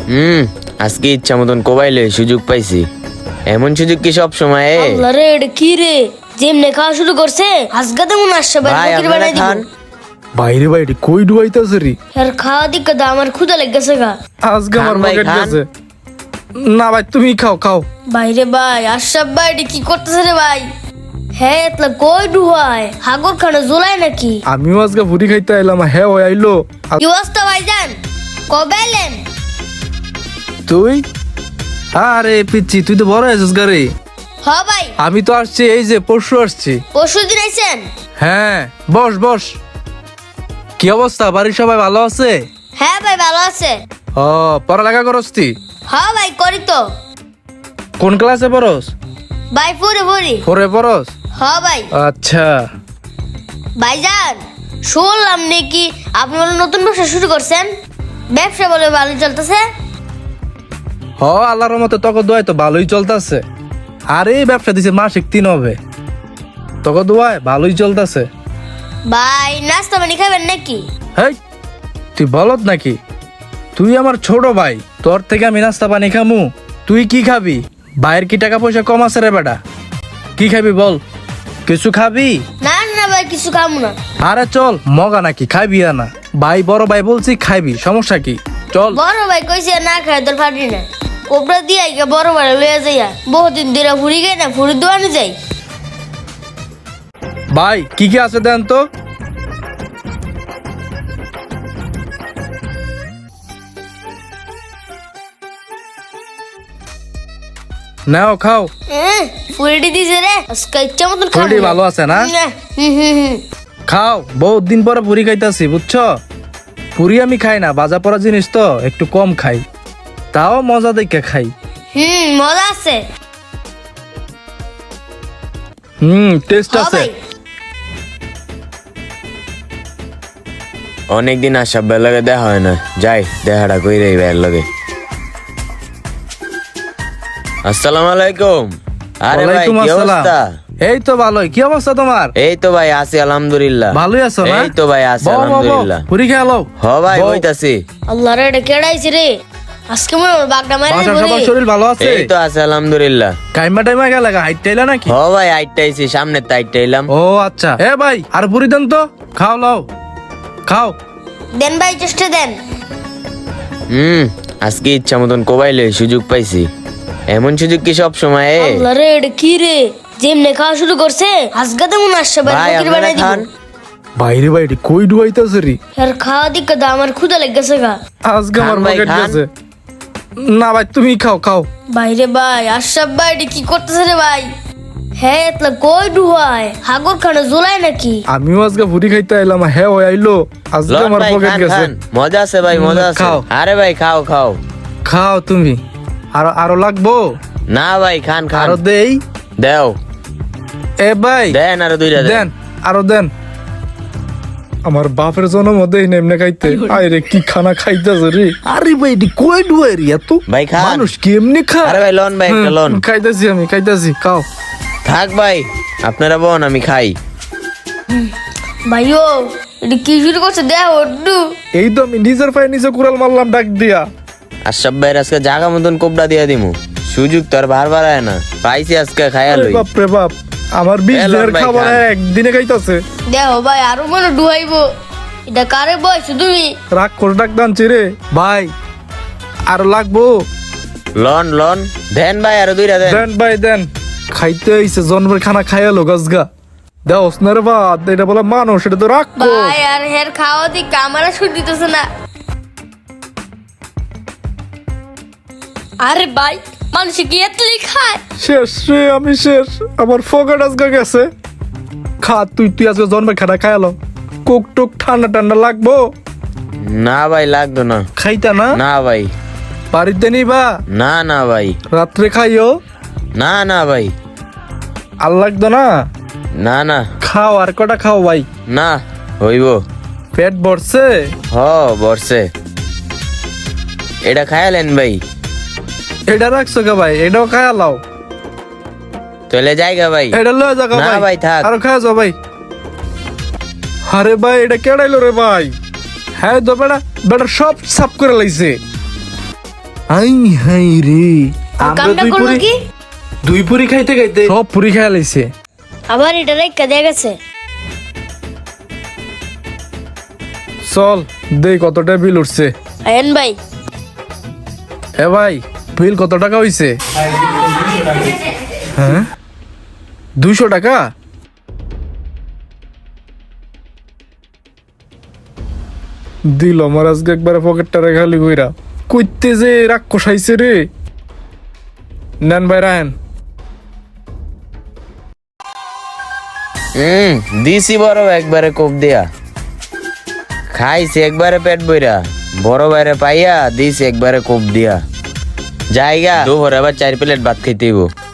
আজকে ইচ্ছা মতন কোবাইলে সুযোগ পাইছি। এমন সুযোগ কি সব সময়? আল্লাহ রে, এটা কি রে? যেমনে খাওয়া শুরু করছে আজকে তেমন আসছে ভাই ফকির আপনারা বানাই দিব। খান। বাইরে বাইরে কই ডুবাইতাছে রে? আর খাওয়া দিকে তো আমার ক্ষুধা লেগেছে গা। আজকে আমার খান ভাই, পকেট খান। গেছে। না ভাই তুমি খাও খাও। বাইরে ভাই আশরাফ ভাই এটা কি করতেছে রে ভাই? হ্যাঁ এতলা কই ডুহায় হাগর খানে জোলাই নাকি? আমিও আজকে ভুড়ি খাইতে আইলাম। হ্যাঁ ওই আইলো। কি অবস্থা ভাইজান? কবে এলেন? তুই? আরে পিচ্ছি তুই তো বড় হয়েছিস গারে। হ ভাই, আমি তো আসছি এই যে পরশু আসছি। পরশু দিন আইছেন? হ্যাঁ বস বস। কি অবস্থা, বাড়ির সবাই ভালো আছে? হ্যাঁ ভাই ভালো আছে। ও পড়ালেখা করস তুই? হ্যাঁ ভাই করি তো। কোন ক্লাসে পড়স? ভাই ফুরে ফুরি। ফোরে পড়স? হ্যাঁ ভাই। আচ্ছা। ভাইজান শুনলাম নাকি আপনি বলে নতুন ব্যবসা শুরু করছেন? ব্যবসা বলে ভালো চলতেছে? হ আল্লাহর মতো তোকে দোয়াই তো ভালোই চলতেছে। আর এই ব্যবসা দিছে মাসিক 3 হবে। তোকে দোয়াই ভালোই চলতেছে। ভাই নাস্তা পানি খাবেন নাকি? হেই তুই বলত নাকি? তুই আমার ছোট ভাই, তোর থেকে আমি নাস্তা পানি খামু? তুই কি খাবি? ভাইয়ের কি টাকা পয়সা কম আছে রে বেটা? কি খাবি বল? কিছু খাবি? না না ভাই কিছু খাবো না। আরে চল মগা নাকি, খাইবি না? ভাই বড় ভাই বলছি খাইবি, সমস্যা কি? চল। বড় ভাই কইছে না খাই তোর পারি না। কোবরা দিয়ে আইগা বড় ভাই লইয়া যাইয়া বহুদিন ধরে ফুরি গে না ফুরি দোয়ানে যাই। ভাই কি কি আছে দেন তো। নাও খাও। ফুরিটি দিছে রে আজকে ইচ্ছা মতন খাবো। ফুরিটি ভালো আছে না? হুম। খাও, বহুত দিন পরে পুরি খাইতাছি বুঝছো। পুরি আমি খাই না, বাজা পড়া জিনিস তো একটু কম খাই, তাও মজা দেখে খাই। মজা আছে। টেস্ট হ্যাঁ আছে। ভাই। অনেকদিন আশরাফ ভাইয়ের লগে দেখা হয় না, যাই দেখাটা কইরে এই ভাইয়ের লগে। আসসালামু আলাইকুম। আরে ভাই ওয়ালাইকুম কি আসসালাম। অবস্থা? এই তো ভালোই। কি অবস্থা তোমার? এই তো ভাই আছি আলহামদুলিল্লাহ। ভালোই আছো না? এই তো ভাই আছি বউ, বউ, বউ, আলহামদুলিল্লাহ। পুরি খেয়ে লও। হ ভাই বউ, হইতাছি। আল্লাহ রে এটা কেডাইছে রে আজকে মনে হয় বাগডা মারে বাসার বলি। সবার শরীর ভালো আছে? এই তো আছে আলহামদুলিল্লাহ। কাইমা টাইমা গেলে হাইট টাইলা নাকি? হ ভাই আইটাইছি, সামনে তাইটাইলাম। ও আচ্ছা। এ ভাই আর পুরি দেন তো, খাও লও খাও। দেন ভাই চেষ্টা দেন। আজকে ইচ্ছা মতন কোবাইলে সুযোগ পাইছি। এমন সুযোগ কি সব সময়? আল্লাহ রে এটা কি রে? যেমনে খাওয়া শুরু করছে আজকে তেমন আসছে ভাই ফকির আপনারা বানাই দিব। খান। বাইরে বাইরে কই ডুবাইতাছে রে? আর খাওয়া দিকে তো আমার ক্ষুধা লেগেছে গা। আজকে খান আমার ভাই, পকেট খান। গেছে। না ভাই তুমি খাও খাও। বাইরে ভাই আশরাফ ভাই এটা কি করতেছে রে ভাই? হ্যাঁ এতলা কই ডুহায় হাগর খানে জোলাই নাকি? আমিও আজকে ভুড়ি খাইতে আইলাম। হ্যাঁ ওই আইলো। আজকে লন আমার ভাই পকেট খান গেছে। খান, মজা আছে ভাই মজা আছে। খাও। আরে ভাই খাও খাও। খাও তুমি। আরো আরো লাগবো? না ভাই খান খান। আরো দেই? দেও এ ভাই দেন আরো দুইটা দেন। দেন, আরো দেন। আমার বাপের জন্ম দেই না এমনি খাইতে। আরে কি খানা খাইতেছে রে? আরে ভাই এটি কই ডুয়াই রে এত? ভাই খান। মানুষ কেমনে খায়? আরে ভাই লন ভাই একটা লন। খাইতেছি আমি খাইতেছি, খাও। থাক ভাই আপনারা বোন আমি খাই। ভাইও এটা কি শুরু করছে দেখ ওড্ডু। এই তো আমি নিজের পায়ে নিজে কুড়াল মারলাম ডাক দিয়া। আশরাফ ভাইয়ের আজকে জাগা মতন কোবরা দিয়া দিমু। সুযোগ তো আর বারবার আয় না, পাইছি আজকে খাইয়া আরে লই। বাপ রে বাপ, আমার 20 এ লন দিনের ভাই, খাবার খান। একদিনে খাইতেছে। দেখো ভাই আরো মনে ডুহাইবো। এটা কারে বয়স তুমি? রাগ করে ডাক দানছি রে ভাই। আর লাগবো? লন লন দেন ভাই আরো দুইটা দেন। দেন ভাই দেন। খাইতে আইছে জন্মের খানা খাইয়ালো গজগা। দেও স্নার বাদ, এটা বলে মানুষ, এটা তো রাখবো। ভাই আর হের খাওয়া দিকে আমার শুট দিতেছে না। আরে ভাই মানুষ কি এতলি খায়? শেষ রে, আমি শেষ। আমার ফোকাট আজকে গেছে। খা তুই, তুই আজকে জন্মের খানা খাইয়ালো। কোক টোক ঠান্ডা ঠান্ডা লাগবো? না ভাই লাগতো না। খাইতা না? না ভাই। বাড়িতে নিবা? না না ভাই। রাত্রে খাইও? না না ভাই। আর লাগতো না? না না। খাও, আর কটা খাও ভাই। না হইব। পেট ভরছে? হ বর্ষে। এটা খায়ালেন ভাই? এটা রাখছো কে ভাই? এটাও খায়া লাও। চলে যাইগা ভাই। এটা লয়ে যাও না ভাই। ভাই, থাক। আর খায়া যাও ভাই। আরে ভাই এটা কেডাইলো রে ভাই? হ্যাঁ তো বেটা বেটা সব সাফ করে লাইছে। আই হাই রে আমরা কামটা দুই করলো পুরি কি দুই পুরি খাইতে খাইতে সব পুরি খাইয়া লাইছে। আবার এটা রেখা দিয়ে গেছে। চল দেই কতটা বিল উঠছে। আয়ন ভাই এ ভাই বিল কত টাকা হইছে? হ্যাঁ 200 টাকা? দিল আমার আজকে একবারে পকেটটা খালি কইরা কইতে যে রাগ কষাইছে রে। নেন ভাই রাহেন। দিছি বড় একবারে কোপ দিয়া, খাইছি একবারে পেট বইরা, বড় বাইরে পাইয়া দিছি একবারে কোপ দিয়া। জায়গা দুপুরে আবার 4 প্লেট ভাত খাইতে হইব।